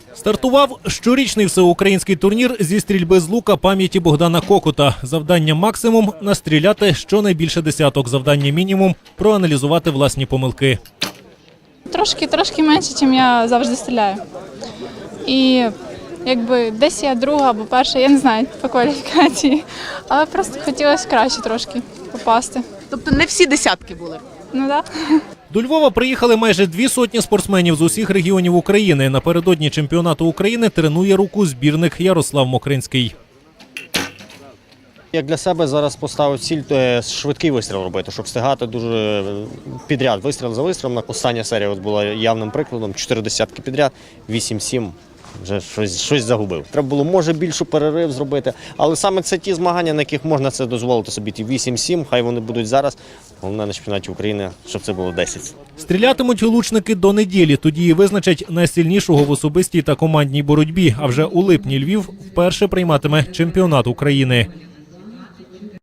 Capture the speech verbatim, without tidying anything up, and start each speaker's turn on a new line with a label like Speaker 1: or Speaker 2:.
Speaker 1: Стартував щорічний всеукраїнський турнір зі стрільби з лука пам'яті Богдана Кокута. Завдання максимум – настріляти щонайбільше десяток, завдання мінімум – проаналізувати власні помилки.
Speaker 2: Трошки, трошки менше, ніж я завжди стріляю. І якби десь я друга або перша, я не знаю по кваліфікації, але просто хотілося краще трошки попасти.
Speaker 3: Тобто не всі десятки були?
Speaker 2: Ну так.
Speaker 1: До Львова приїхали майже дві сотні спортсменів з усіх регіонів України. Напередодні чемпіонату України тренує руку збірник Ярослав Мокринський.
Speaker 4: Як для себе зараз поставив ціль – швидкий вистріл робити, щоб встигати дуже підряд, вистріл за вистрілом. Остання серія от була явним прикладом, чотири десятки підряд, вісім-сім. Вже щось, щось загубив. Треба було, може, більшу перерив зробити, але саме це ті змагання, на яких можна це дозволити собі. Ті вісім-сім, хай вони будуть зараз. Головне на чемпіонаті України, щоб це було десять.
Speaker 1: Стрілятимуть лучники до неділі, тоді і визначать найсильнішого в особистій та командній боротьбі. А вже у липні Львів вперше прийматиме чемпіонат України.